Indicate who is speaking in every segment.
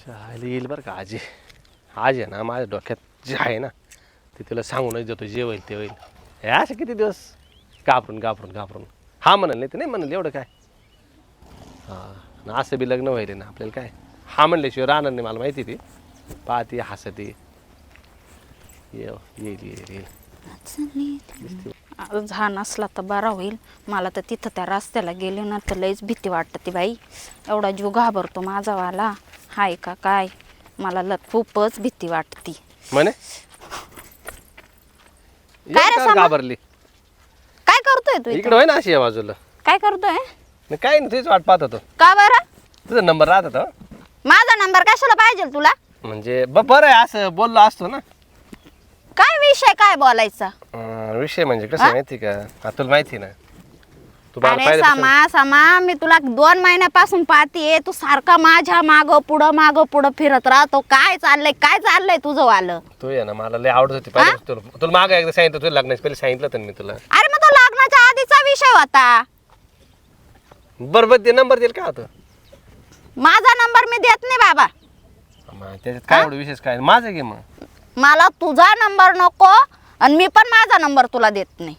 Speaker 1: शाळेला येईल बरं का आजी. आज आहे ना माझ्या डोक्यात जे आहे ना ते तिला सांगूनच देतो. जे होईल ते होईल. हे असं किती दिवस घाबरून हा म्हणाल नाही ते नाही म्हणाल एवढं काय. हां असं बी लग्न व्हायले ना आपल्याला काय. हा म्हणल्याशिवाय राहणार नाही मला माहिती. ती पाहते हसते. येईल
Speaker 2: हा नसला तर बरा होईल. मला तर तिथं त्या रस्त्याला गेले ना तर लईच भीती वाटते बाई. एवढा जीव घाबरतो माझावाला. हाय का काय मला खूपच भीती वाटती.
Speaker 1: म्हणे
Speaker 2: काय रे सामा?
Speaker 1: घाबरली
Speaker 2: काय करतोय तू
Speaker 1: इकडे होय ना अशी या बाजूला.
Speaker 2: काय करतोय
Speaker 1: नाही काय नाही तुझीच वाट पाहत होतो.
Speaker 2: का बरं?
Speaker 1: तुझा नंबर राहत होता.
Speaker 2: माझा नंबर कशाला पाहिजे तुला?
Speaker 1: म्हणजे बरं आहे असं बोललो असतो ना.
Speaker 2: काय विषय काय बोलायचा?
Speaker 1: विषय म्हणजे कसं माहिती का. तुला माहिती ना तू
Speaker 2: अरे सामा मी तुला 2 महिन्यापासून पाहतीये. तू सारखा माझ्या माग पुढं फिरत राहतो. काय चाललंय तुझं वालं?
Speaker 1: तू आहे ना मला लय आवडत होती पाहिजे. तुला माग एकदा सांगितलं तुला लग्नाच्या पहिले सांगितलं तर मी तुला.
Speaker 2: अरे मग तो लग्नाच्या आधीचा विषय होता.
Speaker 1: बरोबर ते नंबर देईल का होतं.
Speaker 2: माझा नंबर मी देत नाही बाबा.
Speaker 1: त्याच्यात काय एवढं विशेष काय माझं घे मग.
Speaker 2: मला तुझा नंबर नको आणि मी पण माझा नंबर तुला देत नाही.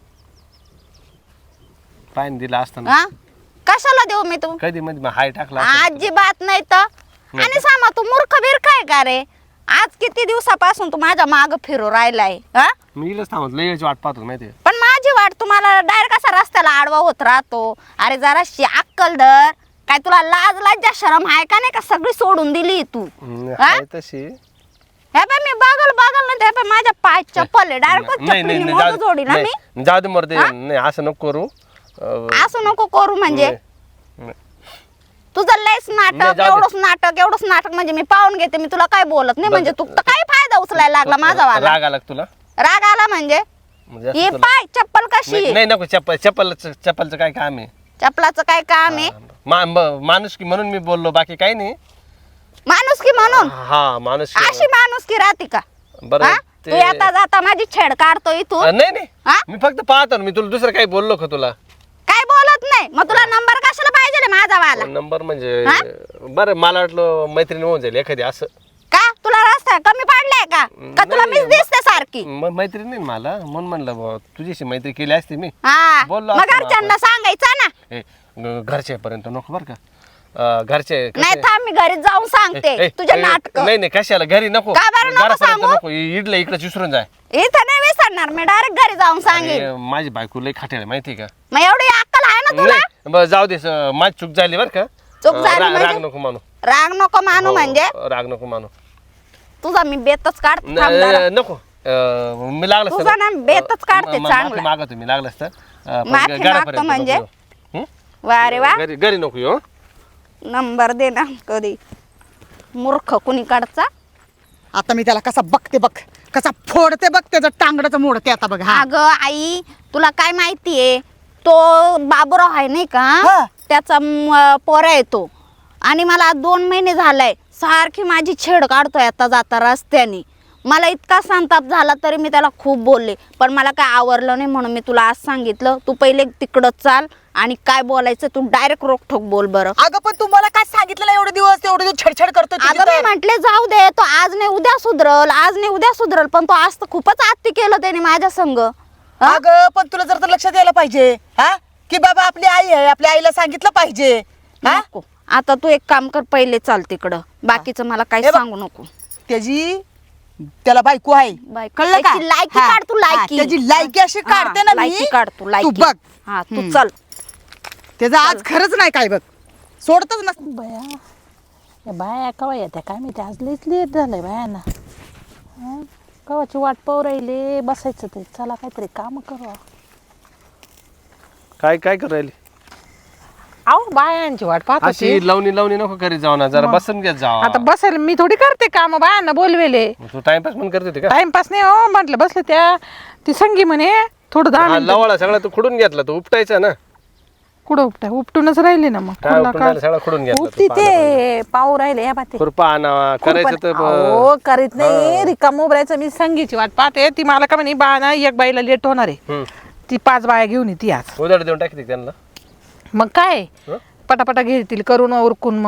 Speaker 1: पायन दिला असताना
Speaker 2: कशाला देऊ मी तू?
Speaker 1: कधी मध्ये हाय टाकला
Speaker 2: अजिबात नाही तर. आणि सामा तू मूर्ख बिरख आहे का रे? आज किती दिवसापासून तू माझ्या माग फिरू राहिलाय.
Speaker 1: मी इलच थांबत लय वेळची वाट पाहतो माहिती.
Speaker 2: पण माझी वाट तुम्हाला डायरेक्ट असा रस्त्याला आडवा होत राहतो. अरे जराशी अक्कल धर. काय तुला लाज लज्जा शरम आहे का नाही का? सगळी सोडून दिली तू.
Speaker 1: तशी
Speaker 2: हे पाय मी बागल नाही ते पाय माझ्या पाय चप्पल आहे. डायरेक्ट जोडी ना मी.
Speaker 1: जाऊ दे मरते. नाही असं नको करू.
Speaker 2: असं नको करू म्हणजे तुझं लयच नाटक. एवढंच नाटक म्हणजे मी पाहून घेते. मी तुला काय बोलत नाही म्हणजे तू काय फायदा उचलायला लागला माझा वाला?
Speaker 1: राग आला तुला?
Speaker 2: राग आला म्हणजे हे पाय चप्पल कशी?
Speaker 1: नाही नको. चप्पलचं काय काम आहे?
Speaker 2: चप्पलाचं काय काम आहे?
Speaker 1: माणुसकी म्हणून मी बोललो बाकी काही नाही.
Speaker 2: माणुसकी म्हणून?
Speaker 1: हा माणुसकी.
Speaker 2: अशी माणुसकी राहते का?
Speaker 1: बरं
Speaker 2: तू येता जाता माझी छेड काढतो इथून.
Speaker 1: नाही मी फक्त पाहतो मी तुला दुसरं काही बोललो का तुला?
Speaker 2: काय बोलत नाही. मग तुला नंबर कशाला पाहिजे माझा वाला?
Speaker 1: नंबर म्हणजे बरं मला वाटलं मैत्रीण होऊन जाईल एखादी असं.
Speaker 2: का तुला रस्ता कमी पडलाय का तुला मीच दिसते सारखी?
Speaker 1: मैत्रीण नाही मला म्हणून म्हणलं तुझ्याशी मैत्री केली असती मी.
Speaker 2: बोललो मग घरच्यांना सांगायचं ना.
Speaker 1: घरच्यापर्यंत नको बरं का. घरचे
Speaker 2: नाही थांब मी घरी जाऊन सांगते तुझ्या नाटक.
Speaker 1: नाही कशाला घरी नको.
Speaker 2: का बरं नको सांगू?
Speaker 1: नको इडलं इकडे विसरून जाय.
Speaker 2: इथं नाही विसरणार मी. डायरेक्ट घरी जाऊन सांगेन.
Speaker 1: माझी बायको लई खाटेल माहिती का.
Speaker 2: मग एवढी अक्कल आहे ना तुला?
Speaker 1: बरं जाऊ दे. माझी चूक झाली बरं का.
Speaker 2: चूक झाली म्हणजे?
Speaker 1: राग नको मानू.
Speaker 2: राग नको मानू म्हणजे?
Speaker 1: राग नको मानू.
Speaker 2: तुझा मी बेतच काढते.
Speaker 1: नको मी लागलं
Speaker 2: तुझा ना बेतच काढते चांगला.
Speaker 1: मागा तुम्ही लागलं असतं
Speaker 2: माफी मागतो म्हणजे? वा रे वा.
Speaker 1: घरी नको येऊ.
Speaker 2: नंबर दे ना. कधी मूर्ख कुणी काढचा.
Speaker 3: आता मी त्याला कसा बघते बघ. कसा फोडते बघ. त्याचं टांगडच मोडते आता बघ.
Speaker 2: अगं आई तुला काय माहितीये तो बाबूराव आहे नाही का त्याचा पोरा येतो आणि मला 2 महिने झालाय सारखी माझी छेड काढतोय आता जाता रस्त्याने. मला इतका संताप झाला तरी मी त्याला खूप बोलले पण मला काय आवरलं नाही म्हणून मी तुला आज सांगितलं. तू पहिले तिकडं चाल आणि काय बोलायचं तू डायरेक्ट रोखठोक बोल बरं.
Speaker 3: अगं पण तुम्हाला काय सांगितलं एवढे दिवस छेडछाड करतो.
Speaker 2: अगं मी म्हटले जाऊ दे तो आज नाही उद्या सुधरल पण तो आज तर खूपच आत्ती केलं त्याने माझ्या संग.
Speaker 3: अगं पण तुला जर लक्ष द्यायला पाहिजे की बाबा आपली आई आहे. आपल्या आईला सांगितलं पाहिजे.
Speaker 2: नको आता तू एक काम कर पहिले चाल तिकडं. बाकीचं मला काही सांगू नको.
Speaker 3: त्याला बायको आहे कळलं का?
Speaker 2: लायकी काढ तू. लायकी
Speaker 3: त्याची लायकी अशी काढते ना मी.
Speaker 2: लायकी काढ तू.
Speaker 3: तू
Speaker 2: लायकी
Speaker 3: बघ.
Speaker 2: हा तू चल.
Speaker 3: त्याचं आज खरंच नाही काय बघ. सोडतच नसत.
Speaker 4: बया बाया कवा येत्या काय माहिती. आज लईच लेट झालंय बायांना. कवाची वाट पाहू राहिले बसायचं ते. चला काहीतरी काम करू.
Speaker 1: काय करू राहिली?
Speaker 4: अहो बायांची वाट पाहत होती.
Speaker 1: अशी लावणी नको करीत जाऊ ना. जरा बसून घेत जाऊ.
Speaker 4: आता बसायला मी थोडी करते काम. बायांना बोलवेले.
Speaker 1: तू टाइमपास पण करत होती का?
Speaker 4: टाइमपास नाही हो म्हटलं बसले त्या. ती संगी म्हणे थोडं 10 मिनिटं.
Speaker 1: लवळा सगळा तू खुडून घेतला. तू उपटायचा ना.
Speaker 4: कुठं उपटूनच राहिले ना. मग
Speaker 1: सगळा खुडून घेतला.
Speaker 4: उपटी ते पाहू राहिले या बाते.
Speaker 1: खुरपा आणावा करायचं तर
Speaker 4: हो करीत नाही. रिकाम उभरायचं. मी संगीची वाट पाहते. ती मला का म्हणे बा ना एक बाईला लेट होणार आहे. ती 5 बाया घेऊन येते आज.
Speaker 1: उधार देऊन टाकते त्यांना.
Speaker 4: मग काय पटापटा घेतील करून उरकून. मग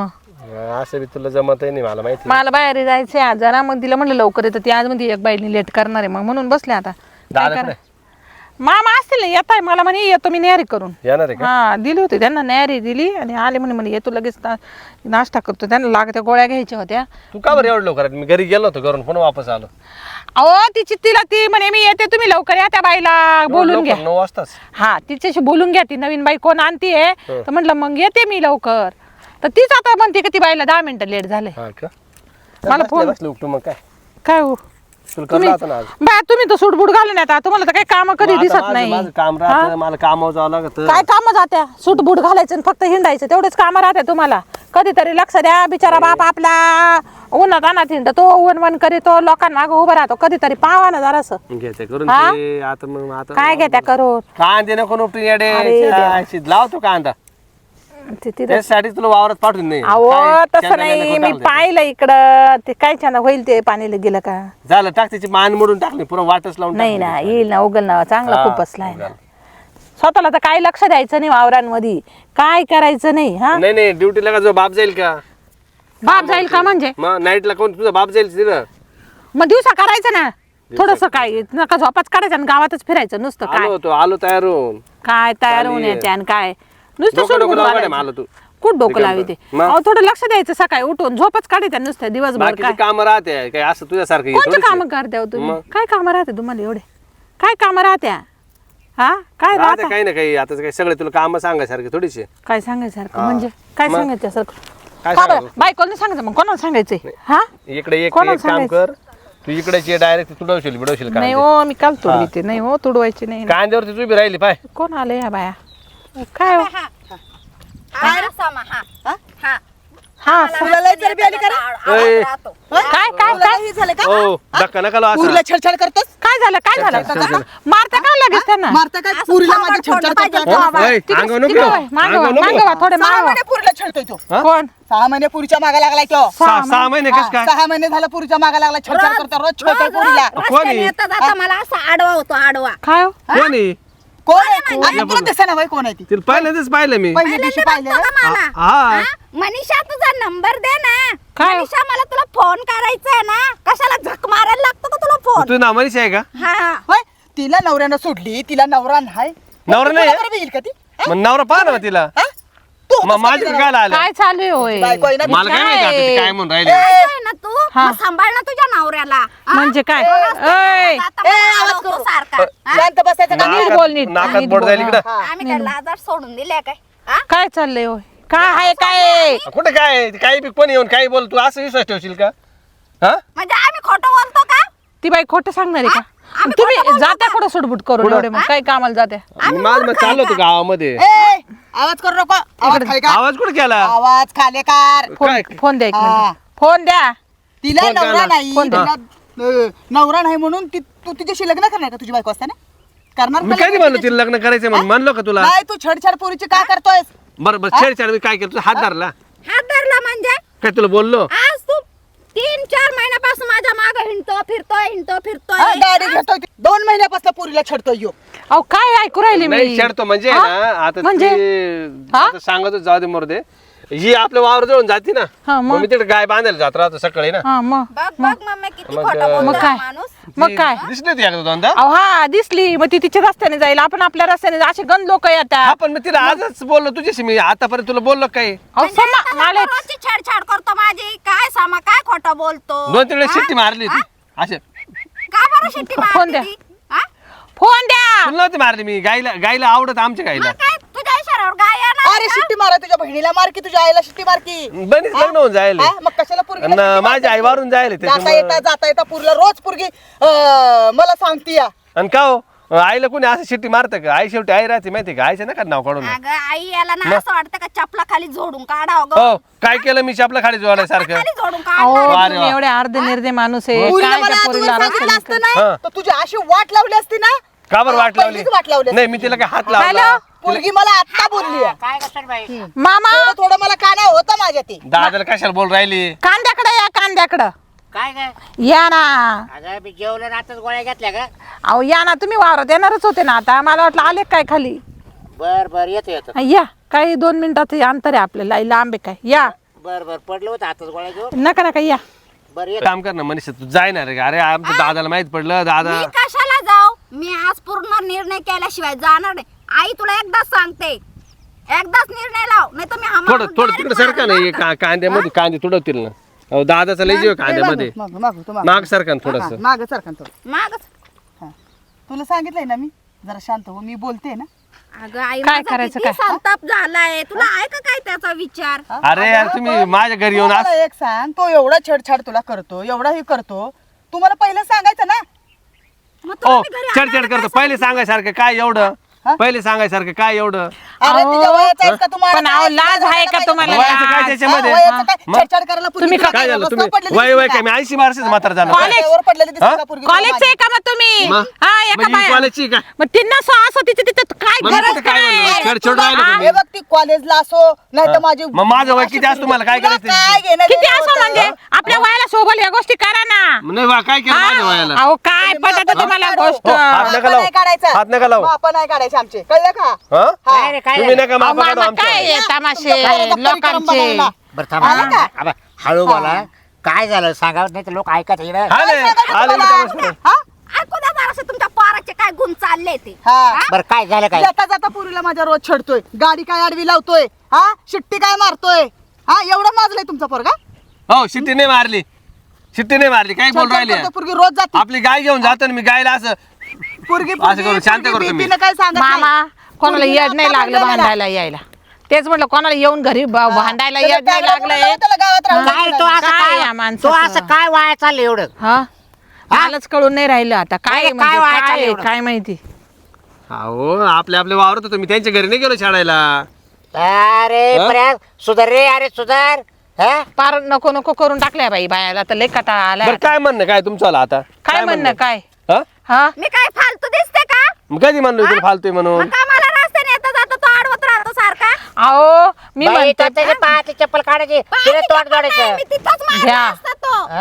Speaker 1: असं बी तुला जमत नाही मला माहिती
Speaker 4: मला बाहेर जायचंय आज जरा, मग तिला म्हणलं लवकर येतं ती आज मध्ये एक बाईने लेट करणार आहे, मग म्हणून बसले आता.
Speaker 1: दादा कुठे?
Speaker 4: मामा असतील ना, येत आहे मला म्हणे येतो मी न्यारी करून.
Speaker 1: येणार आहे का?
Speaker 4: हा दिली होती त्यांना, न्यारी दिली आणि आले म्हणे येतो लगेच नाश्ता करतो, त्यांना लागत्या गोळ्या घ्यायच्या होत्या.
Speaker 1: तू का बरं एवढं लवकर? मी घरी गेलो होतो घरून पुन्हा वापस आलो.
Speaker 4: अहो तिला ती म्हणे मी येते, तुम्ही लवकर या, त्या बाईला बोलून घ्या.
Speaker 1: 9 वाजताच.
Speaker 4: हा तिच्याशी बोलून घ्या, ती नवीन बाई कोण आणतीये तर म्हटलं मग येते मी लवकर. तर तीच आता म्हणते की ती बाईला 10 मिनिटं लेट झाले.
Speaker 1: हा का?
Speaker 4: मला फोन
Speaker 1: बसले उपटू मग काय
Speaker 4: काय हो
Speaker 1: तुला करला होता ना आज.
Speaker 4: बा तुम्ही तर सूटबूट घालून येता, तुम्हाला तर काही काम कधी
Speaker 1: मग आता
Speaker 4: दिसत
Speaker 1: माझं
Speaker 4: नाही.
Speaker 1: काम राहतं, मला कामावर जावं लागतं.
Speaker 4: काय काम जात्या, सूटबूट घालायचं आणि फक्त हिंडायचं, तेवढेच काम राहते तुम्हाला. कधीतरी लक्ष द्या, बिचारा बाप आपला उन्हात आणत हिंड तो वन करीतो, लोकांना मागं उभं राहतो, कधीतरी पावा ना जरासं.
Speaker 1: घेते करून
Speaker 4: हा?
Speaker 1: ते आता मग आता
Speaker 4: काय घेत्या करून
Speaker 1: कांदे नको उपटून येडे.
Speaker 4: अरे देवा.
Speaker 1: लावतो कांदा
Speaker 4: तिथं.
Speaker 1: त्यासाठी तुला वावरात पाठवून नाही.
Speaker 4: अहो
Speaker 1: काय
Speaker 4: तसं
Speaker 1: शेंगदाणे
Speaker 4: नाही,
Speaker 1: नको
Speaker 4: मी
Speaker 1: टाकलं
Speaker 4: पाहिलं इकडं ते काय छान होईल ते पाणीला गेलं का.
Speaker 1: ते. झालं टाक त्याची मान मोडून टाकली पुरा वाटच लावून
Speaker 4: नाही
Speaker 1: टाकली.
Speaker 4: ना, येईल ना, उगल ना, चांगला
Speaker 1: हा,
Speaker 4: खूप बसलाय ना.
Speaker 1: उगल.
Speaker 4: स्वतःला तर काय लक्ष द्यायचं नाही वावरांमध्ये, काय करायचं नाही. हा
Speaker 1: नाही ड्युटीला का जो बाप जाईल का?
Speaker 4: बाप जाईल का म्हणजे?
Speaker 1: मग नाईटला कोण तुझा बाप जाईल तिथं?
Speaker 4: मग दिवसा करायचं ना थोडस, काय नका झोपाच काढायचं आणि गावातच फिरायचं नुसतं. काय
Speaker 1: आलो तयार होऊन.
Speaker 4: काय तयार होऊन
Speaker 1: चालेल.
Speaker 4: येते आणि काय नुसतं
Speaker 1: डोकं
Speaker 4: सूटबूट
Speaker 1: लावा
Speaker 4: घालायचं.
Speaker 1: मॅडम, आलो तू.
Speaker 4: कुठं डोकं लावी ते?
Speaker 1: मग?
Speaker 4: अहो थोडं लक्ष द्यायचं, सकाळी उठून झोपच काढायचं नुसतं दिवसभर.
Speaker 1: बाकीची
Speaker 4: काय
Speaker 1: कामं राहते काय असं तुझ्यासारखं हे
Speaker 4: कोणते
Speaker 1: थोडीच
Speaker 4: काम
Speaker 1: आहे.
Speaker 4: करते हो तुम्ही?
Speaker 1: मग?
Speaker 4: काय काम राहते तुम्हाला एवढे? काय काम राहत्या? हा काय
Speaker 1: राहते
Speaker 4: राहता?
Speaker 1: काही ना काही. आता काय सगळे तुला काम सांगायसारखे थोडीशी.
Speaker 4: काय सांगायसारखं म्हणजे काय
Speaker 1: मग?
Speaker 4: सांगायचं सारखं?
Speaker 1: काय
Speaker 4: का बरं?
Speaker 1: सांगायचं?
Speaker 4: बायकोला सांगायचं, मग कोणाला सांगायचंय? हा
Speaker 1: इकडे एक
Speaker 4: कोणाला
Speaker 1: काम
Speaker 4: सांगायचं?
Speaker 1: कर. तू इकडे डायरेक्ट तुडवशील बिडवशील
Speaker 4: नाही
Speaker 1: कांदे.
Speaker 4: हो, मी काल तुडवीते. नाही हो, तुडवायची नाही.
Speaker 1: कांद्यावरती तू उभी राहिली पाय.
Speaker 4: कोण आले ह्या बाया? काय हो? हा
Speaker 3: तुला लय चरबी आली का रे?
Speaker 1: ए,
Speaker 4: काय काय
Speaker 3: तुला
Speaker 4: काय
Speaker 3: हे झालं का?
Speaker 1: ओ धक्का नका लावू
Speaker 3: पुरीला
Speaker 1: असं.
Speaker 3: छेडछाड करतोस?
Speaker 4: काय झालं? काय झालं? मारता का लगेच त्यांना?
Speaker 3: मारता काय पुरीला माझ्या छेडछाड करतोस?
Speaker 1: ओय,
Speaker 4: तिकडे-
Speaker 1: अंगावर नको
Speaker 4: तिकडे
Speaker 1: येऊ.
Speaker 4: वळ, मागं
Speaker 1: अंगावर
Speaker 4: वळ,
Speaker 1: नको
Speaker 4: मागं
Speaker 1: येऊ.
Speaker 4: वळ, थोडे
Speaker 3: 6
Speaker 4: मागं वळ.
Speaker 3: महिने पुरीला छेडतोय तो.
Speaker 1: हा?
Speaker 4: कोण?
Speaker 3: 6 महिने पुरीच्या मागा लागलाय तो.
Speaker 1: सहा महिने कस काय?
Speaker 3: 6 महिने झालं पुरीच्या मागा लागला, छेडछाड करतो, रोज छेडतोय पुरीला.
Speaker 1: कोणी?
Speaker 2: मला असा आडवा होतो, आडवा.
Speaker 4: काय हो?
Speaker 1: कोणी?
Speaker 3: कोण आहे? आता तुला दिसेना बाई कोण आहे ती?
Speaker 1: तिला पहिल्यांदाच पाहिलं मी.
Speaker 3: पहिल्या दिवशी पाहिलं
Speaker 2: बघतो का मला?
Speaker 1: हा.
Speaker 2: मनीषा तुझा नंबर दे ना.
Speaker 4: काय?
Speaker 2: मनीषा मला तुला फोन करायचा आहे ना. कशाला झक मारायला लागतो का तुला फोन?
Speaker 1: तू नामानीच आहे का?
Speaker 2: हा
Speaker 3: होय, तिला नवऱ्यानं सोडली, तिला नवरा नाही.
Speaker 1: नवरा नाही आहे?
Speaker 3: बरोबर येईल का ती? हा?
Speaker 1: मग नवरा पाहा ना तिला.
Speaker 3: हा? तू
Speaker 1: मग माझ्याकडे काय आलं?
Speaker 4: काय चालू आहे होय?
Speaker 3: बायको आहे ना?
Speaker 1: मला काय माहिती आता ती काय म्हणून राहिली.
Speaker 2: आहे ना तू
Speaker 4: हा.
Speaker 2: मग सांभाळ ना तुझ्या नवऱ्याला. हा?
Speaker 4: म्हणजे काय?
Speaker 2: ऐ, आता मला
Speaker 3: आवाज
Speaker 2: आडवतो
Speaker 3: करू.
Speaker 2: सारखा. हा?
Speaker 3: शांत बसायचं का?
Speaker 4: नीट बोल, नीट.
Speaker 1: नाकात
Speaker 4: नीट
Speaker 1: बोट
Speaker 4: बोल,
Speaker 1: जाईल
Speaker 4: हा.
Speaker 1: इकडं.
Speaker 2: आम्ही काय लाजार सोडून दिल्या काय? हा?
Speaker 4: काय चाललंय होय? काय आहे काय?
Speaker 1: कुठे काय काही बी कोणी येऊन काही बोल तू असं विश्वास ठेवशील का? हा?
Speaker 2: म्हणजे आम्ही खोटं बोलतो का?
Speaker 4: ती बाई खोटं सांगणार आहे का?
Speaker 2: आम्ही
Speaker 4: तुम्ही
Speaker 2: खोटं बोलतो
Speaker 4: जात्या कुठं सुटबुट करून एवढे मग काय कामाला जात्या?
Speaker 1: मी माझं चाललो होतो गावामध्ये.
Speaker 3: ए, आवाज करू नको. आवाज खाली का?
Speaker 1: आवाज कुठे केला?
Speaker 3: आवाज खाली कर.
Speaker 1: काय?
Speaker 4: फोन द्या एक
Speaker 3: हा.
Speaker 4: मिनिट. फोन द्या.
Speaker 3: तिला
Speaker 1: फोन
Speaker 3: नवरा
Speaker 1: करा.
Speaker 3: नाही,
Speaker 4: फोन द्या.
Speaker 3: तिला नवरा नाही म्हणून तू तिच्याशी लग्न करणार का? तुझी बायको असताना करणार
Speaker 1: मी
Speaker 3: का
Speaker 1: कधी
Speaker 3: लग्न
Speaker 1: म्हणलो
Speaker 3: तिच्याशी?
Speaker 1: तिला लग्न करायचं म्हणून म्हणलो का तुला?
Speaker 3: नाही, तू छेडछाड पोरीची का करतोयस?
Speaker 1: बरं बरं छेडछाड मी काय केलं तुझा हात धरला
Speaker 2: हात धरला म्हणजे
Speaker 1: काय तुला बोललो?
Speaker 2: आज तू 3-4 महिन्यापासून माझ्या मागे फिरतोय.
Speaker 3: हा, गाडी घेतोय ती. 2 महिन्यापासून पोरीला छेडतोय यो.
Speaker 4: अहो काय ऐकू राहिले
Speaker 1: नाही
Speaker 4: मी?
Speaker 1: छेडतो म्हणजे
Speaker 4: हा?
Speaker 1: ना आता
Speaker 4: म्हणजे?
Speaker 1: ती-
Speaker 4: हा?
Speaker 1: आता सांगतो जाऊ दे मोरदे ही आपल्या वावर जवळून जाते ना
Speaker 4: हा, मग?
Speaker 1: मग मी तिकडे गाय बांधायला जात राहतो सकाळी ना.
Speaker 4: हा मग
Speaker 2: बघ मम्मी किती
Speaker 1: मग,
Speaker 2: खोटं बोलतो
Speaker 4: मग
Speaker 2: हा
Speaker 4: काय?
Speaker 2: माणूस.
Speaker 4: मग काय?
Speaker 1: दिसली होती एकदा दोनदा.
Speaker 4: अहो हा दिसली, मग ती तिच्या रस्त्याने जाईल, आपण आपल्या रस्त्याने असे गंद लोक
Speaker 1: हा
Speaker 4: येतात.
Speaker 1: पण मी तिला आजच बोललो तुझ्याशी मी आतापर्यंत तुला बोललो काय
Speaker 4: अहो
Speaker 2: म्हणजे
Speaker 4: समा
Speaker 2: आता
Speaker 4: मला
Speaker 2: तो रोजची छेडछाड करतो माझी. काय सामा काय खोटं बोलतो?
Speaker 1: 2-3 वेळेस
Speaker 2: हा?
Speaker 1: शिट्टी मारली होती असे
Speaker 2: का बरं शिट्टी
Speaker 4: फोन द्या.
Speaker 2: मारली ती? हा?
Speaker 4: फोन द्या.
Speaker 1: तुला नव्हती मारली मी गायला आवडत आमच्या गायला.
Speaker 2: मग काय तुझ्या इशाऱ्यावर गाय येणार
Speaker 3: अरे
Speaker 2: का?
Speaker 3: शिट्टी मारा, तुझ्या बहिणीला मार की, तुझ्या आईला शिट्टी मार की.
Speaker 1: बनीच लग्न होऊन जायला
Speaker 3: हा, मग कशाला पोरगीला
Speaker 1: अन
Speaker 3: शिट्टी
Speaker 1: माझी आई
Speaker 3: मारते?
Speaker 1: वारून जायला
Speaker 3: जाता येता पुरीला रोज पोरगी मला सांगती या.
Speaker 1: आणि का हो आईला कोणी असं शिट्टी मारतं का? आई शेवटी आई राहते माहिती का? आईचं नका नाव काढून.
Speaker 2: अगं आई याला ना असं वाटतं का चपला खाली झोडून काढावं गं.
Speaker 1: हो काय केलं मी आपल्या खाली जोडायसारखं.
Speaker 2: खाली झोडून
Speaker 4: अहो
Speaker 2: काढ.
Speaker 1: वा रे
Speaker 4: तुम्ही
Speaker 1: वा.
Speaker 4: एवढे अर्धे निर्दे माणूस आहे.
Speaker 3: पुरीला
Speaker 4: काय
Speaker 3: मला
Speaker 4: त्या
Speaker 3: अगोदर
Speaker 4: पोरीला
Speaker 3: सांगितलं
Speaker 4: रस्त्याने
Speaker 3: असतं
Speaker 1: हा.
Speaker 3: ना, तर तुझी अशी वाट लावली असती ना.
Speaker 1: का बरं वाट लावली?
Speaker 3: पहिलीच वाट लावली
Speaker 1: नाही मी तिला काय हात लावला
Speaker 4: हॅलो?
Speaker 3: पोरगी मला आता बोलली आहे.
Speaker 5: काय कसं बाई
Speaker 4: मामा
Speaker 3: थोडं थोडं मला काना होतं माझ्या ते.
Speaker 1: दादाला कशाला बोल राहिली?
Speaker 4: कांद्याकडे या, कांद्याकडं
Speaker 5: काय काय
Speaker 4: या ना.
Speaker 5: अगं मी जेवलं ना आताच गोळ्या घेतल्या का
Speaker 4: अहो या ना, तुम्ही वावरात येणारच होते ना आता. मला वाटलं आले काय खाली.
Speaker 5: बर बर येतो येतो
Speaker 4: या काही 2 मिनिटात अंतर आहे आपल्याला लांब आहे काय. या
Speaker 5: बर पडलं होतं आताच गोळ्या घेऊन.
Speaker 4: नका नका या.
Speaker 5: बरं ये.
Speaker 1: काम कर ना मनीषा तू जाय ना रे. अरे आमच्या दादाला माहित पडलं दादा.
Speaker 2: मी कशाला जाऊ? मी आज पूर्ण निर्णय केल्याशिवाय जाणार नाही. आई तुला एकदाच सांगते, एकदाच निर्णय लाव, नाही तर मी
Speaker 1: थोडं थोडं तिकडे सरका नाही कांद्यामध्ये कांदे तुडवतील ना. अहो दादाचा लय जीव कांद्यामध्ये. माग सरका ना थोडस.
Speaker 3: माग सरकन थोडं.
Speaker 2: मागच.
Speaker 3: हा. तुला सांगितलंय ना मी जरा शांत हो, मी बोलते ना.
Speaker 2: अगं आई
Speaker 4: काय
Speaker 2: माझा
Speaker 4: करायचं
Speaker 2: किती
Speaker 4: काय?
Speaker 2: संताप झालाय. तुला आहे का काय त्याचा विचार?
Speaker 1: अरे यार तुम्ही माझ्या घरी येऊन
Speaker 3: मला एक सांग, तो एवढा छेडछाड तुला करतो, एवढा हे करतो, तुम्हाला पहिलं सांगायचं ना.
Speaker 2: मग
Speaker 1: ओ
Speaker 2: तुम्ही घरी
Speaker 1: चढचढ
Speaker 2: आणायला
Speaker 1: करतो.
Speaker 2: काय
Speaker 1: पहिले सांगायसारखं काय एवढं. पहिले सांगायसारखं काय एवढं.
Speaker 3: अरे
Speaker 4: अहो,
Speaker 3: तिच्या वयाचा आहे का तुम्हाला?
Speaker 4: पण अहो, लाज आहे का तुम्हाला?
Speaker 1: वयाचं काय त्याच्यामध्ये?
Speaker 3: हा, वयाचं काय?
Speaker 1: मग?
Speaker 3: छेडछाड करायला पोरगी
Speaker 4: तुम्ही
Speaker 3: तुला
Speaker 1: काय झालं
Speaker 3: रस्त्यावर
Speaker 1: तुम्ही
Speaker 3: पडलेली
Speaker 1: वय
Speaker 3: दिसली
Speaker 1: वय
Speaker 3: का?
Speaker 1: काय मी 80 वर्षाचं म्हातारा झालं.
Speaker 4: कॉलेज-
Speaker 3: रस्त्यावर पडलेली दिसली
Speaker 1: हा?
Speaker 3: का पोरगी
Speaker 4: कॉलेजचे
Speaker 3: तुला
Speaker 4: आहे का मग तुम्ही?
Speaker 1: मग?
Speaker 4: हा एका
Speaker 1: म्हणजे
Speaker 4: बाया.
Speaker 1: कॉलेजची काय?
Speaker 4: मग तिनं असं तिथे तिथे काय
Speaker 1: मग मी
Speaker 4: गरज
Speaker 1: तिथे काय
Speaker 4: काय?
Speaker 1: म्हणलो? छेडछाड राहिलं का
Speaker 3: हे
Speaker 1: मी?
Speaker 3: बघ ती कॉलेजला असो नाही तर माझी
Speaker 1: मग माझं वय किती असतं तुम्हाला काय
Speaker 3: तुला
Speaker 1: करायचं?
Speaker 3: काय घेणं
Speaker 4: किती
Speaker 3: देणं
Speaker 4: असं
Speaker 3: होतं?
Speaker 4: म्हणजे आपल्या वयाला सोबत या गोष्टी करा ना.
Speaker 1: नाही बा काय केलं माझ्या वयाला.
Speaker 4: अहो काय
Speaker 3: तुम्ही
Speaker 4: पटत
Speaker 3: मापं
Speaker 4: तुम्हाला
Speaker 3: काढू.
Speaker 4: गोष्ट?
Speaker 1: हो, हात नका
Speaker 3: मापं
Speaker 1: लावू.
Speaker 3: नाही काढायचं.
Speaker 1: हात नका लावू.
Speaker 3: मापं नाही काढायचे आमचे, कळलं का?
Speaker 1: हा?
Speaker 5: काय रे काय
Speaker 1: तुम्ही
Speaker 5: झालं?
Speaker 1: नका
Speaker 4: अहो,
Speaker 1: मापा काढू
Speaker 4: मामा
Speaker 1: आमच्या.
Speaker 4: काय आहे तमाशे
Speaker 3: तुमच्या घराचा परिक्रम
Speaker 4: लोकांचे?
Speaker 3: बनवला.
Speaker 5: बरं थांबा.
Speaker 3: आलं का?
Speaker 5: आबा, हळू बोला. काय झालं सांगावं नाही तर लोक ऐकत येणार.
Speaker 1: हा नाही आले मी तमाशा.
Speaker 3: हा?
Speaker 2: ऐकू द्या जरासं तुमच्या पोराचे काय गुण चालले ते.
Speaker 3: हा.
Speaker 5: बरं काय झालं काय?
Speaker 3: जाता जाता पुरीला माझ्या रोज छेडतोय, गाडी काय आडवी लावतोय, हा शिट्टी काय मारतोय, हा एवढं माजलंय तुमचा पोरगा.
Speaker 1: हो शिट्टी नाही मारली. शिट्टी नाही मारली. काय बोल
Speaker 3: छेडछाड
Speaker 1: राहिली
Speaker 3: करतो, पोरगी रोज जाते.
Speaker 1: आपली गाय घेऊन जातो ना मी गायला असं
Speaker 3: पोरगी
Speaker 1: असं करून शांत करतो मी.
Speaker 3: बीपीनं काय सांगत नाही.
Speaker 4: मामा कोणाला
Speaker 3: पोरगीला
Speaker 4: येड नाही
Speaker 3: आता
Speaker 4: लागलं
Speaker 3: म्हणलं मला.
Speaker 4: भांडायला यायला. तेच म्हटलं कोणाला येऊन घरी भांडायला
Speaker 3: त्याला
Speaker 4: येड नाही
Speaker 3: त्याला
Speaker 4: लागलंय.
Speaker 3: बोलावं, त्याला गावात राहू
Speaker 5: काय
Speaker 3: द्यायचं
Speaker 5: तो
Speaker 3: नाही.
Speaker 5: असं
Speaker 4: काय
Speaker 5: काय
Speaker 4: या माणसाचं?
Speaker 5: तो असं काय वाया चाललं एवढं?
Speaker 4: हा मलाच कळून नाही राहिलं आता काय
Speaker 5: नाही,
Speaker 4: म्हणजे
Speaker 5: काय व्हायचं
Speaker 4: काय आहे,
Speaker 5: एवढं?
Speaker 4: काय माहिती.
Speaker 1: अहो आपले वावरत होतो मी त्यांच्या घरी नाही गेलो शाळेला.
Speaker 5: अरे
Speaker 1: हा?
Speaker 5: पर्या सुधार रे. अरे सुधार. हा?
Speaker 4: पार नको नको करून टाकल्या बाई बायाला तर लय कटाळा आलाय
Speaker 1: बरं
Speaker 4: आता.
Speaker 1: काय म्हणणं काय तुमचं आता?
Speaker 4: काय म्हणणं काय?
Speaker 1: हा?
Speaker 4: हा
Speaker 2: मी काय फालतू दिसते का?
Speaker 1: मग कधी म्हणलो तुला फालतोय म्हणून?
Speaker 2: मग का मला रस्त्याने येता जाता तो आडवत राहतो सारखा?
Speaker 4: अहो मी
Speaker 5: बाई,
Speaker 4: म्हणते
Speaker 5: तर त्याच्या पायातली चप्पल काढायची तिला तोंड जोडायचं.
Speaker 2: मी तिथंच मारला
Speaker 4: घ्या.
Speaker 2: असता तो.
Speaker 5: हा?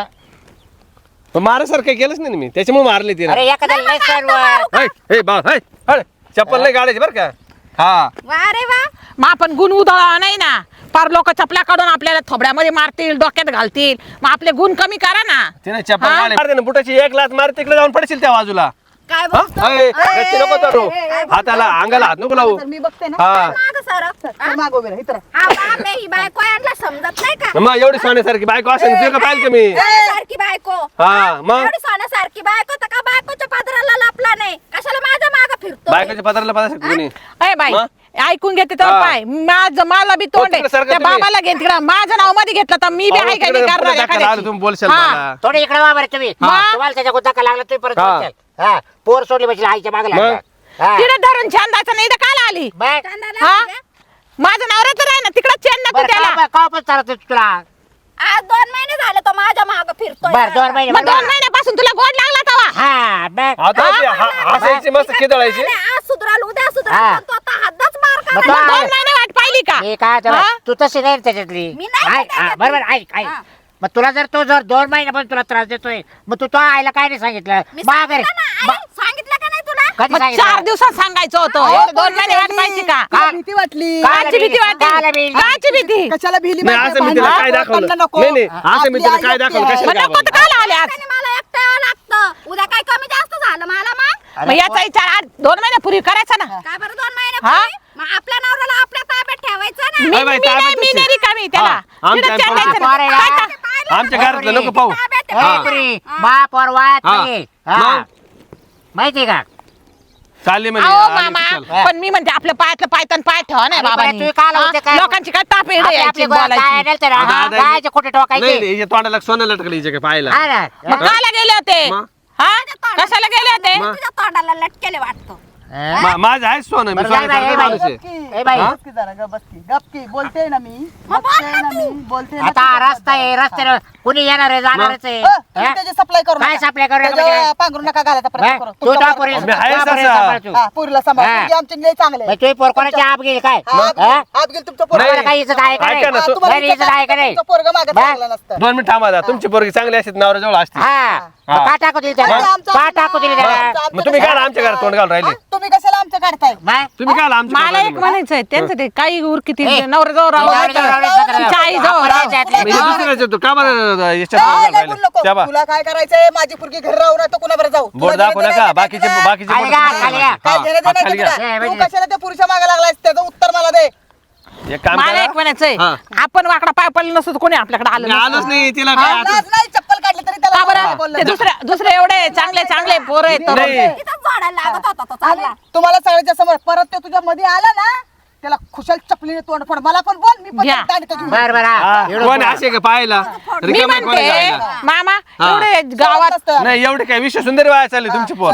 Speaker 1: पण मारासारखं केलंच नाही ना मी त्याच्यामुळे मारले तिने.
Speaker 5: अरे एखाद्याला नाही सहन होत.
Speaker 1: हे बा हे चप्पल नाही काढायची बरं का. हा
Speaker 2: वा रे वा.
Speaker 4: मग आपण गुण उधळा नाही ना. पार लोक चपल्या काढून आपल्याला थोबड्यामध्ये मारतील डोक्यात घालतील मग आपले गुण कमी करा ना.
Speaker 1: तिने चप्पल
Speaker 4: हा?
Speaker 1: काढली. मारते ना बुटाची एक लाच मार तिकडे जाऊन पडशील त्या बाजूला.
Speaker 2: काय
Speaker 1: हा?
Speaker 2: बोलतो?
Speaker 1: अय, रस्ते नको चढू. हाताला अंगाला हात नको लावू.
Speaker 3: तर मी बघते ना.
Speaker 1: हा
Speaker 2: मागं सरक.
Speaker 3: तर मागं उभी राहा, इथं राहा.
Speaker 2: हा बापरे, ही बायको यांना समजत नाही का?
Speaker 1: मग एवढी सोन्यासारखी बायको असेल तुझं का पाहिलं का मी?
Speaker 2: सोन्यासारखी बायको.
Speaker 1: हा मग
Speaker 2: एवढी सोन्यासारखी बायको तर का बायकोच्या पदराला लपला नाही? कशाला माझ्या मागं फिरतो?
Speaker 1: बायकोच्या पत्राला पदासाठी कोणी
Speaker 4: अय बाई
Speaker 1: मग?
Speaker 4: ऐकून घेते तर
Speaker 1: हा.
Speaker 4: पाय मला बी तोंड आहे.
Speaker 1: तिकडे सारखं
Speaker 4: त्या
Speaker 1: तुम्ही.
Speaker 4: बाबाला घेत तिकडं माझं नाव मध्ये घेतलं तर मी बी आहे काय
Speaker 1: तिकडे
Speaker 4: करणार
Speaker 1: पुढे धक्का लागला,
Speaker 4: एखाद्याची.
Speaker 1: तुम्ही बोलशाल
Speaker 4: हा.
Speaker 1: मला.
Speaker 5: थोडे इकडे वा बरं तुम्ही.
Speaker 4: हा.
Speaker 5: तुम्हाला त्याच्या गुद्दा लागला तुम्ही परत
Speaker 1: हा.
Speaker 5: बोलशाल. हा पोर सोडली बसली आईच्या मागे
Speaker 1: मग?
Speaker 5: लागला.
Speaker 4: तिकडे धरून छान जायचं नाही तर काल आली
Speaker 5: बरं
Speaker 2: कांदा
Speaker 4: हा?
Speaker 2: लावून
Speaker 4: माझं नवरा तर आहे ना तिकडे चेन नको त्याला.
Speaker 5: का पण चालत तुला?
Speaker 2: आज 2 महिने झाले तो माझ्या मागं फिरतोय.
Speaker 5: बरं 2 महिने
Speaker 4: मग 2 महिन्यापासून तुला गोड लागला तवा.
Speaker 5: हा बरं.
Speaker 1: आता ती हसायची मस्त खिदळायची.
Speaker 2: नाही, आज सुधराल उद्या सुधराल
Speaker 5: हा.
Speaker 2: पण तो आता हद्दच मार
Speaker 5: मग
Speaker 2: काढायला.
Speaker 5: तो-
Speaker 4: 2 महिने वाट पाहिली का?
Speaker 5: मी काय तेव्हा-
Speaker 4: हा?
Speaker 5: तू तशी नाही ना त्याच्यातली.
Speaker 2: मी नाही
Speaker 5: ऐक, हा,
Speaker 2: त्याच्यातली.
Speaker 5: बरोबर ऐक ऐक.
Speaker 2: हा.
Speaker 5: मग तुला जर 2 महिन्यापासून तुला त्रास देतोय मग तू तो आईला काय नाही सांगितलं?
Speaker 2: मी
Speaker 5: माघारी
Speaker 2: सांगितलं ना, आई, सांगितलं का नाही तुला?
Speaker 5: कधी
Speaker 4: मग
Speaker 5: सांगितलं?
Speaker 4: 4 दिवसात सांगायचं होतं. एवढे 2 महिने वाट पाहिजे का?
Speaker 3: तिला भीती वाटली.
Speaker 5: काय?
Speaker 4: काची भीती
Speaker 5: काला
Speaker 4: वाटते?
Speaker 5: भीती.
Speaker 4: काची भीती?
Speaker 3: कशाला भिली
Speaker 1: नाही
Speaker 3: माहिती
Speaker 1: असं मी
Speaker 3: आहे?
Speaker 1: तिला
Speaker 3: भांडण
Speaker 1: काय
Speaker 3: नको,
Speaker 1: दाखवलं
Speaker 3: भांडण नको.
Speaker 1: नाही नाही असं मी
Speaker 3: आपली
Speaker 1: तिला
Speaker 3: आई
Speaker 1: काय
Speaker 3: एकटी
Speaker 1: दाखवलं
Speaker 3: आहे.
Speaker 1: कशाला
Speaker 4: मग नको
Speaker 1: घाबरली?
Speaker 4: तर काल आले आज.
Speaker 2: त्याने मला एकट्यावर लागतं. उद्या काय कमी जास्त झालं मला मग?
Speaker 4: मग याचा विचार 2 महिन्यापूर्वी करायचा ना.
Speaker 2: काय बरं 2 महिने
Speaker 4: हा?
Speaker 2: पूर्वी? मग आपल्या नवऱ्याला आपल्या ताब्यात ठेवायचं ना.
Speaker 4: मी
Speaker 1: बाई, बाई,
Speaker 4: मी नाही
Speaker 1: ताब्यात
Speaker 4: मी
Speaker 1: नसेल.
Speaker 4: नाही रिकामी त्याला.
Speaker 1: हा, आमच्या-
Speaker 4: तिकडे
Speaker 1: आमच्या-
Speaker 4: चढायचं
Speaker 5: आमच्या-
Speaker 4: नाही. काय
Speaker 5: आमच्या-
Speaker 4: का?
Speaker 1: आमच्या घरातलं नको पाहू.
Speaker 2: ताब्यात
Speaker 5: ए,
Speaker 2: ठेवायचं.
Speaker 5: पुरी, महापौर वायात
Speaker 1: हा.
Speaker 5: नाहीये. हा.
Speaker 1: मग?
Speaker 5: माहितीये का?
Speaker 1: चालली म्हणजे
Speaker 4: अहो
Speaker 1: आली
Speaker 4: मामा
Speaker 1: की चल.
Speaker 4: पण मी म्हणते आपल्या पायातलं पायतन पाय ठेवा नाही
Speaker 5: अरे
Speaker 4: बाबा
Speaker 5: बरं, तुम्ही काय लावते काय?
Speaker 4: लोकांची काय ताप येडे
Speaker 5: आपली-
Speaker 4: यायची
Speaker 5: आपली काय
Speaker 4: बोलायची.
Speaker 5: नेलं तर
Speaker 1: आता
Speaker 5: हा,
Speaker 1: आता-
Speaker 5: गायचे खोटे
Speaker 1: नाही
Speaker 5: ठोकायचे.
Speaker 1: नाही हिच्या तोंडाला सोनं लटकलं हिच्या काय पाहायला.
Speaker 5: हा ना.
Speaker 4: मग कायला गेले होते
Speaker 1: मग?
Speaker 4: हा कशाला गेले होते
Speaker 1: मग?
Speaker 2: तुझ्या तोंडाला लटकेले वाटतं.
Speaker 5: हा?
Speaker 1: माझं आहे सोनं मी
Speaker 5: बरं, जाय बाई,
Speaker 1: सोन्यासारखं
Speaker 5: बाई.
Speaker 1: माणूस आहे.
Speaker 3: गपकी,
Speaker 5: ए बाई.
Speaker 3: गपकी जरा, गपकी बोलते ना मी.
Speaker 2: मग बोल
Speaker 3: बघते
Speaker 2: ना
Speaker 3: ना
Speaker 2: तू.
Speaker 3: मी, बोलते ना
Speaker 5: आता
Speaker 3: तू.
Speaker 5: रस्ता आहे रस्त्यावर कुणी येणार आहे जाणारच आहे.
Speaker 3: तुम्ही
Speaker 5: हा?
Speaker 3: त्याची सप्लाय करू
Speaker 5: काय
Speaker 3: नका.
Speaker 5: supply करू नका
Speaker 3: त्याच्यावर
Speaker 5: म्हणजे?
Speaker 3: पांघरू नका घालायचा प्रयत्न
Speaker 5: बरं,
Speaker 3: करू.
Speaker 5: तू
Speaker 3: तुमचा
Speaker 5: तो
Speaker 3: पोरगा-
Speaker 5: पोरी-
Speaker 1: मी आहेच
Speaker 5: तो पोरी
Speaker 1: असा.
Speaker 5: सांभाळ तू.
Speaker 3: हा, पोरीला सांभाळ.
Speaker 5: हा.
Speaker 3: पोरगी आमची लय चांगले
Speaker 5: मग तुम्ही पोर कोणाची आप घेईल काय? हा?
Speaker 3: हात गेल तुमचं पोरगं.
Speaker 5: तुम्हाला काही इज्जत आहे का
Speaker 1: ऐका ना,
Speaker 5: नाही?
Speaker 1: तू-
Speaker 3: तुम्हाला
Speaker 5: नाही, इज्जत आहे का नाही?
Speaker 3: तुमचं पोरगं मागं
Speaker 5: बरं.
Speaker 3: चांगलं नसतं.
Speaker 1: 2 मिनिट थांबा आता. तुमची पोरगी चांगली असते नवऱ्याजवळ असते.
Speaker 5: हा मग का टाकू दिली त्याला?
Speaker 3: आमचं-
Speaker 5: का टाकू दिली त्याला?
Speaker 3: आमचं-
Speaker 1: मग तुम्ही काय आमच्या घरात तोंड घालून राहिले.
Speaker 3: हा? तुम्ही कशाला आमचं काढताय
Speaker 5: बाय
Speaker 1: तुम्ही काय आमच्या
Speaker 4: मला एक म्हणायचंय त्यांचं ते काही उरकिती नवरा जवळ राहू चाळीस जवळ राहू.
Speaker 1: दुसऱ्याचं तू का बरं याच्यात
Speaker 3: काय
Speaker 1: बघायला
Speaker 3: नाही बोलू
Speaker 1: राहिले?
Speaker 3: नको.
Speaker 1: त्या बा
Speaker 3: तुला काय करायचंय माझी पुरगी घरी राहू ना तर कुणाबरोबर जाऊ
Speaker 1: बोट
Speaker 3: तुला
Speaker 1: दाखवू
Speaker 3: घेणं
Speaker 1: नका
Speaker 3: देणं
Speaker 1: बाकीचे
Speaker 3: काय?
Speaker 1: बाकीचे
Speaker 5: खाली
Speaker 1: बोट
Speaker 5: घ्या,
Speaker 1: दाखवू
Speaker 5: खाली
Speaker 1: नका.
Speaker 5: घ्या.
Speaker 3: काय
Speaker 1: हा,
Speaker 3: घेणं देणं
Speaker 1: खाली
Speaker 3: आहे
Speaker 1: घ्या.
Speaker 3: का तुला? तू कशाला त्या पुरुषा मागे लागलायस त्याचं उत्तर मला दे.
Speaker 1: एक काम
Speaker 4: मला
Speaker 1: करा.
Speaker 4: एक म्हणायचंय
Speaker 1: हा.
Speaker 4: आपण वाकडा पाय पडलं नसतो कोणी आपल्याकडे आलं
Speaker 1: मी
Speaker 4: नसतं.
Speaker 1: आलोच नाही तिला काय आता-
Speaker 3: लाज नाही चप्पल काढली तरी
Speaker 4: का
Speaker 3: त्याला
Speaker 4: बरं
Speaker 3: बोललं
Speaker 4: ते
Speaker 3: नाही.
Speaker 4: दुसरे एवढे चांगले चांगले पोरं आहेत तरुण.
Speaker 1: नाही.
Speaker 2: इथंच झाडाला लागत होता तो चांगला.
Speaker 3: तुम्हाला सगळ्याच्या समोर परत ते तुझ्या मध्ये आला ना त्याला खुशाल चपलीने तोंड फोड मला पण बोल मी पण
Speaker 4: घ्या.
Speaker 3: दांडकं घेऊन
Speaker 5: बर बर
Speaker 1: हा,
Speaker 5: एवढं
Speaker 1: कोण
Speaker 5: बोला.
Speaker 1: असे का पाहायला
Speaker 4: मी
Speaker 1: रिकामा कोणी
Speaker 4: म्हणते
Speaker 1: जायला?
Speaker 4: मामा
Speaker 1: हा.
Speaker 4: एवढे गावात
Speaker 3: नसतं.
Speaker 1: नाही एवढे काय विश्व सुंदर वाया चालले तुमचे पोर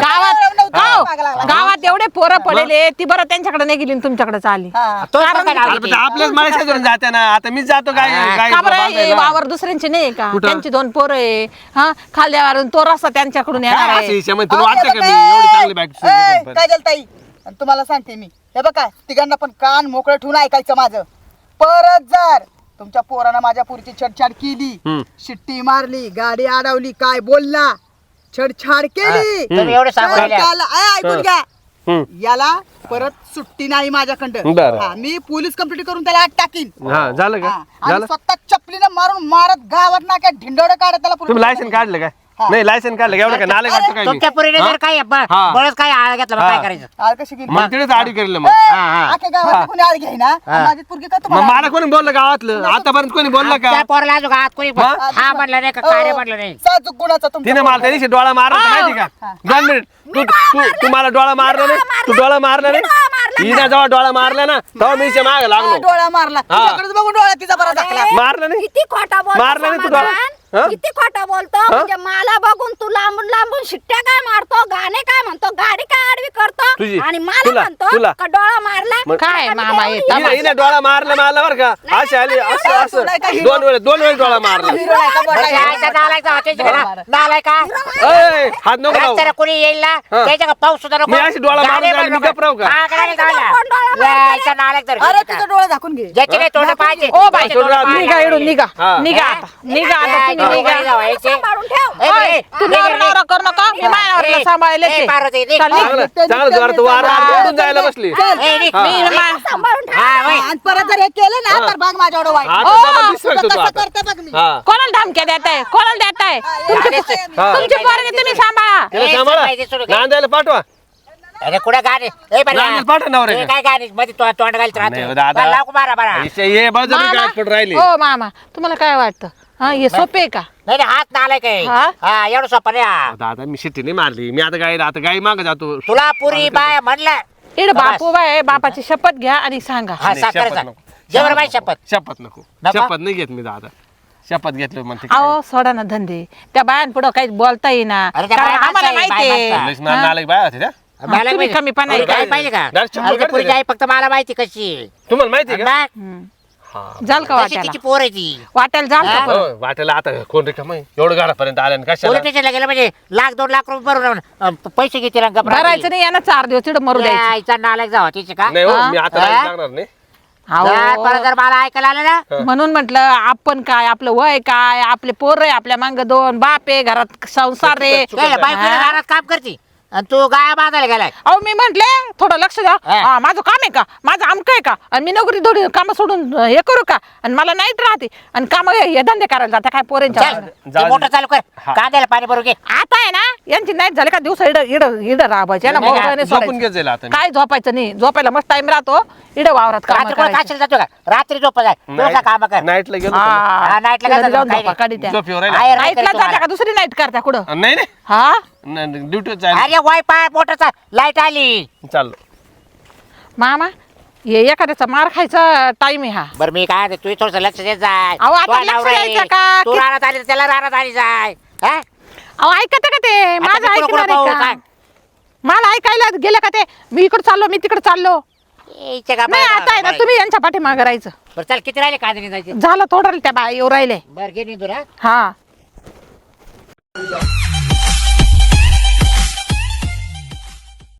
Speaker 4: गावात एवढे पोरं पडलेले ती बरं त्यांच्याकडे नाही गेली आणि तुमच्याकडे आली
Speaker 3: हा.
Speaker 5: तो कसं काय लावली ती?
Speaker 1: आपल्याच माणसा धरून जाते ना आता मीच जातो काय काय
Speaker 4: का बरं हे
Speaker 1: बांधायला.
Speaker 4: वावर दुसऱ्यांचे नाही का
Speaker 1: कुठं?
Speaker 4: त्यांची 2 पोरं आहे हा खाल्ल्यावरून तो रस्ता त्यांच्याकडून येणार
Speaker 1: काय
Speaker 4: आहे
Speaker 1: अशी हिच्यामध्ये तुला वाटतं का मी एवढी चांगली बाईक
Speaker 3: काजल ताई आणि तुम्हाला सांगते मी हे बघा तिघांना पण कान मोकळे ठेवून ऐकायचं माझं परत जर तुमच्या पोरानं माझ्या पुरीची छेडछाड केली
Speaker 1: हम्म.
Speaker 3: शिट्टी मारली गाडी अडवली काय बोलला छेडछाड केली
Speaker 5: तुम्ही एवढं सांगू
Speaker 3: तर
Speaker 5: राहिल्या.
Speaker 3: त्याला ऐकून घ्या
Speaker 1: हम्म.
Speaker 3: याला परत सुट्टी नाही माझ्याकडं
Speaker 1: बरं.
Speaker 3: हा, मी पोलीस कंप्लीट करून त्याला आत टाकीन
Speaker 1: हा झालं का
Speaker 3: हा, आणि
Speaker 1: झालं
Speaker 3: स्वतः चपलीनं मारून मारत गावात ना काय ढिंडोडं काढत त्याला
Speaker 1: तुम्ही
Speaker 3: पोलीस
Speaker 1: लायसन काढलं काय नाही लायसन काढलं का एवढं काय नाले काढतो काय मी?
Speaker 5: तुमच्या पुरीने जर काय
Speaker 1: हा.
Speaker 5: बळच काय आळ घेतला मग
Speaker 1: हा.
Speaker 5: काय करायचं
Speaker 3: आळ कशी गेली
Speaker 1: मग तिथेच आडी करेल मग
Speaker 5: हा, हा.
Speaker 3: आख्या गावात कोणी आळ घेईना आणि माझी पोरगी का
Speaker 1: मग
Speaker 3: तुम्हाला
Speaker 1: मला कोणी बोललं गावातलं आतापर्यंत कोणी बोललं का
Speaker 5: त्या पोराला अजून आत कोणी
Speaker 1: मग?
Speaker 5: हा म्हणलं नाही का कार्य म्हणलं नाही
Speaker 3: साजूक गुणाचा तुमचा
Speaker 1: तिने मला त्या दिवशी डोळा मारला होता माहिती का 2 मिनिट तू तू तू मला डोळा मारला नाही तू डोळा मारला नाही हिने जेव्हा डोळा मारला ना तेव्हा मी हिच्या मागे लागलो
Speaker 3: डोळा मारला तुझ्याकडेच बघून डोळा तिचा बरा दाखला
Speaker 1: मारला नाही
Speaker 2: किती खोटा बोलतो
Speaker 1: मारला नाही तू डोळा? हा?
Speaker 2: समाधान. किती खोटा बोलतो म्हणजे मला बघून तू लांबून लांबून शिट्ट्या काय मारतो गाणे काय म्हणतो गाडी काय आडवी करतो
Speaker 1: तुझी.
Speaker 2: आणि मला
Speaker 1: तुला.
Speaker 2: म्हणतो का डोळा मारला
Speaker 1: मग-
Speaker 4: काय मामा येत
Speaker 1: हिने डोळा मारला मला बरं का अशी आली असं असं दोन वेळेस डोळा मारला
Speaker 3: हिरो नाही का मोठा हिरो?
Speaker 5: नालाय का
Speaker 1: ए, हात नको लावू.
Speaker 5: रस्त्याला कोणी येईल ना
Speaker 1: हा.
Speaker 5: त्याच्या का पाऊस सुद्धा नको
Speaker 1: मी अशी डोळा मारून
Speaker 5: गाडी
Speaker 1: जाईल, मी
Speaker 5: नको.
Speaker 1: गप्प राहू का?
Speaker 5: हा, गाडी
Speaker 2: तुला
Speaker 5: लावला.
Speaker 2: कोण डोळा मारतंय?
Speaker 5: यायचा नालायक तर.
Speaker 3: अरे तुझा डोळा झाकून घे
Speaker 5: ज्याचे नाही तोंड पाहिजे
Speaker 4: ओ बाई
Speaker 5: त्याचे तोंड पाहिजे.
Speaker 4: निघा इडून निघा
Speaker 1: हा.
Speaker 4: निघा आता निघा आता तुम्ही
Speaker 5: हा.
Speaker 4: निघा
Speaker 5: जावायचे.
Speaker 2: सांभाळून ठेव
Speaker 5: ए,
Speaker 4: ओय,
Speaker 5: ए,
Speaker 4: तू
Speaker 5: ए,
Speaker 4: नवरा नवरा करू नका मी माझ्यावरला सांभाळले
Speaker 5: ए, पार्वती, निघ.
Speaker 4: चल, निघ.
Speaker 1: चांगलं चांगलं जोरात वारा ओढून जायला बसली
Speaker 5: ए, निघ.
Speaker 1: हा.
Speaker 5: निघ.
Speaker 2: सांभाळून ठेव
Speaker 5: हा, वय.
Speaker 3: आणि परत जर हे केलं ना तर भाग माझ्या वाईट
Speaker 1: आता जरा दिसतोय
Speaker 3: तुझं
Speaker 1: तू
Speaker 3: कसं
Speaker 1: आता.
Speaker 3: करते बघ मी
Speaker 1: हा
Speaker 4: कोणाला धमक्या देताय कोणाला देताय
Speaker 1: हा.
Speaker 4: तुमची पोरगी तुम्ही सांभाळा
Speaker 1: त्याला
Speaker 5: ए,
Speaker 1: सांभाळा
Speaker 5: माहिती सोडू का?
Speaker 1: नांदायला पाठवा
Speaker 5: अरे कुठं गाणी ए, बरं.
Speaker 1: नांदायला पाठवा नवरे
Speaker 5: ए, काय गाणी मध्ये तोंड घालत
Speaker 1: नाही,
Speaker 5: राहतो
Speaker 1: दादा.
Speaker 5: बरं, लावू मारा बरा
Speaker 1: ये बळजबरी काय करून राहिली
Speaker 4: हो मामा तुम्हाला काय वाटतं हा हे सोपे आहे का
Speaker 5: नाही नाही, हात नालाय काय
Speaker 4: हा?
Speaker 5: हा एवढं सोपं नाही हा.
Speaker 1: दादा मी शिट्टी नाही मारली मी आता गाई माग जातो
Speaker 5: तुला पुरी बाय म्हणलं
Speaker 4: इकडे बापू बाय बापाची शपथ घ्या आणि सांगा
Speaker 5: हा
Speaker 1: नाही,
Speaker 5: साखर
Speaker 1: शपथ नको.
Speaker 5: जेवण बाई शपथ
Speaker 1: शपथ नको
Speaker 5: नको?
Speaker 1: शपथ नाही घेत मी दादा शपथ घेतली म्हणते काय?
Speaker 4: अहो सोडा ना धंदे त्या बायांपुढं काही बोलता येईना
Speaker 5: अरे त्या
Speaker 4: कारण
Speaker 5: बाया
Speaker 4: आम्हाला
Speaker 5: माणसं आहे,
Speaker 4: माहिती
Speaker 5: बाया
Speaker 4: आहे
Speaker 5: माणसं.
Speaker 1: लयच नालायक बाया होत्या त्या
Speaker 5: मला
Speaker 4: तुम्ही
Speaker 5: माहिती-
Speaker 4: कमीपणा
Speaker 5: तुला
Speaker 4: आहे.
Speaker 5: काय पाहिजे का
Speaker 1: डायरेक्ट चप्पल
Speaker 5: अरे ते
Speaker 1: काढते
Speaker 5: पुरीची
Speaker 1: का?
Speaker 5: आई फक्त मला माहिती कशी आहे.
Speaker 1: तुम्हाला माहिती आहे का
Speaker 5: बा,
Speaker 4: हम्म.
Speaker 1: हा.
Speaker 4: जाल का
Speaker 5: कशी
Speaker 4: वाट्याला
Speaker 5: तिची पोर आहे ती
Speaker 4: वाट्याला जाल का
Speaker 5: हा?
Speaker 4: परत?
Speaker 1: हो, वाटेला आता कोण रिकाम आहे एवढं घरापर्यंत आल्या ना कशाला
Speaker 5: पोलीस स्टेशनला गेलं म्हणजे 1-2 लाख रुपये भरून पैसे घेतील आणि गप्प
Speaker 4: भरायचं नाही यांना 4 दिवस तिकडे मरू द्यायचं
Speaker 5: आईचा नालायक जावा तिचे का
Speaker 1: नाही हो
Speaker 4: हा?
Speaker 1: मी आता
Speaker 5: हा?
Speaker 1: नाही सांगणार नाही
Speaker 4: अहो,
Speaker 5: परत जर मला ऐकायला आलं ना
Speaker 4: म्हणून म्हटलं आपण काय आपलं वय काय आपले पोर आहे आपल्या मांग 2 बाप आहे घरात संसार रे
Speaker 5: काय बायकोला
Speaker 4: हा?
Speaker 5: घरात काम करते आणि तू गाया बांधायला गेलाय
Speaker 4: अहो मी म्हंटले थोडं लक्ष द्या
Speaker 5: हा.
Speaker 4: हा, माझं काम आहे का माझं आमक आहे का आणि मी नोकरी थोडी काम सोडून हे करू का आणि मला नाईट राहते आणि काम हे धंदे करायला जाते काय पोरेंच्या
Speaker 5: चल,
Speaker 4: मागं.
Speaker 5: ते मोटर चालू कर
Speaker 1: हा.
Speaker 5: कांद्याला पाणी भरू घे
Speaker 4: आता आहे ना यांची नाईट झाली का दिवस इड इड इड राबायचे ना
Speaker 5: नाही का?
Speaker 4: मोबाईल नाही
Speaker 1: झोपून
Speaker 4: सोडायचं.
Speaker 1: घेत जाईल आता मी.
Speaker 4: काय झोपायचं नाही झोपायला मस्त टाइम राहतो इड वावरात काम
Speaker 5: रात्री कोण काशीला जातो का रात्री झोप जाय तुझा काम कर
Speaker 1: नाईटला गेलो होतो ना.
Speaker 5: हा, nightला काय
Speaker 4: जाऊन
Speaker 5: जातो,
Speaker 4: झोपा काढी त्या
Speaker 1: झोपेवर राहिला.
Speaker 5: आहे, रात्री
Speaker 4: नाईटला
Speaker 5: तुम्हाला.
Speaker 4: जात्या का दुसरी नाईट करत्या कुठं
Speaker 1: नाही नाही
Speaker 4: हा
Speaker 1: ड्युटी जायला
Speaker 5: अरे वायफाय मोटरचा लाईट आली
Speaker 1: चाललो
Speaker 4: मामा हे एखाद्याचा मार खायचा टाइम आहे हा
Speaker 5: बरं मी काय तू थोडस लक्ष देत जाय
Speaker 4: अहो, आता
Speaker 5: तुझा
Speaker 4: लक्ष
Speaker 5: नवरा आहे.
Speaker 4: द्यायचं का?
Speaker 5: तू राहण्यात आली तर त्याला राहण्यात आली जाय हा?
Speaker 4: अहो ऐकत का ते
Speaker 5: आता
Speaker 4: माझं
Speaker 5: मी कुठं
Speaker 4: ऐकणार
Speaker 5: पाहू,
Speaker 4: आहे का
Speaker 5: काय?
Speaker 4: मला ऐकायला गेलं का ते मी इकडे चाललो मी तिकडे चाललो
Speaker 5: इथे का
Speaker 4: नाही
Speaker 5: बरं,
Speaker 4: आता आहे ना
Speaker 5: बरं.
Speaker 4: तुम्ही यांच्या पाठीमागे राहायचं
Speaker 5: बरं चल किती राहिले कांदे जायचे
Speaker 4: झालं थोडं त्या बाई येऊ राहिले
Speaker 5: बरं घे निंदून हा
Speaker 4: हा